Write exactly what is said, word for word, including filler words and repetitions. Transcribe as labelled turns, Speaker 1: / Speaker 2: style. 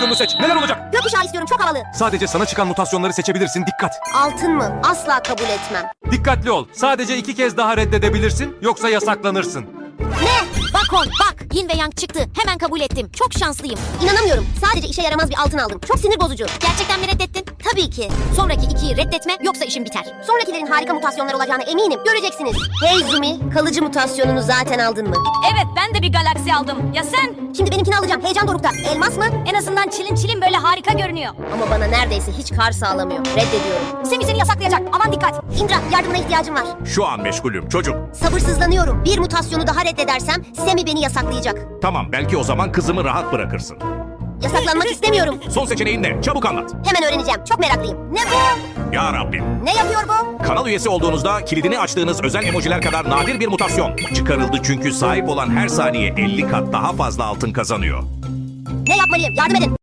Speaker 1: mutasyonunu seç. Neler olacak?
Speaker 2: Gökkuşağı istiyorum, çok havalı.
Speaker 1: Sadece sana çıkan mutasyonları seçebilirsin. Dikkat.
Speaker 2: Altın mı? Asla kabul etmem.
Speaker 1: Dikkatli ol. Sadece iki kez daha reddedebilirsin. Yoksa yasaklanırsın.
Speaker 2: Ne?
Speaker 3: Bak on bak. Yin ve Yang çıktı. Hemen kabul ettim. Çok şanslıyım.
Speaker 2: İnanamıyorum. Sadece işe yaramaz bir altın aldım. Çok sinir bozucu.
Speaker 3: Gerçekten mi reddettin?
Speaker 2: Tabii ki.
Speaker 3: Sonraki ikiyi reddetme yoksa işin biter.
Speaker 2: Sonrakilerin harika mutasyonlar olacağına eminim. Göreceksiniz. Hey Zumi, kalıcı mutasyonunu zaten aldın mı?
Speaker 3: Evet ben de bir galaksi aldım. Ya sen?
Speaker 2: Şimdi benimkini alacağım. Heyecan dorukta. Elmas mı?
Speaker 3: En azından çilin çilin böyle harika görünüyor.
Speaker 2: Ama bana neredeyse hiç kar sağlamıyor. Reddediyorum.
Speaker 3: Semi seni yasaklayacak. Aman dikkat.
Speaker 2: Indra, yardımına ihtiyacım var.
Speaker 4: Şu an meşgulüm çocuk.
Speaker 2: Sabırsızlanıyorum. Bir mutasyonu daha reddedersem Semi beni yasaklayacak.
Speaker 4: Tamam, belki o zaman kızımı rahat bırakırsın.
Speaker 2: Yasaklanmak istemiyorum.
Speaker 4: Son seçeneğin ne? Çabuk anlat.
Speaker 2: Hemen öğreneceğim. Çok meraklıyım. Ne bu?
Speaker 4: Ya Rabbim.
Speaker 2: Ne yapıyor bu?
Speaker 4: Kanal üyesi olduğunuzda kilidini açtığınız özel emojiler kadar nadir bir mutasyon çıkarıldı çünkü sahip olan her saniye elli kat daha fazla altın kazanıyor.
Speaker 2: Ne yapmalıyım? Yardım edin.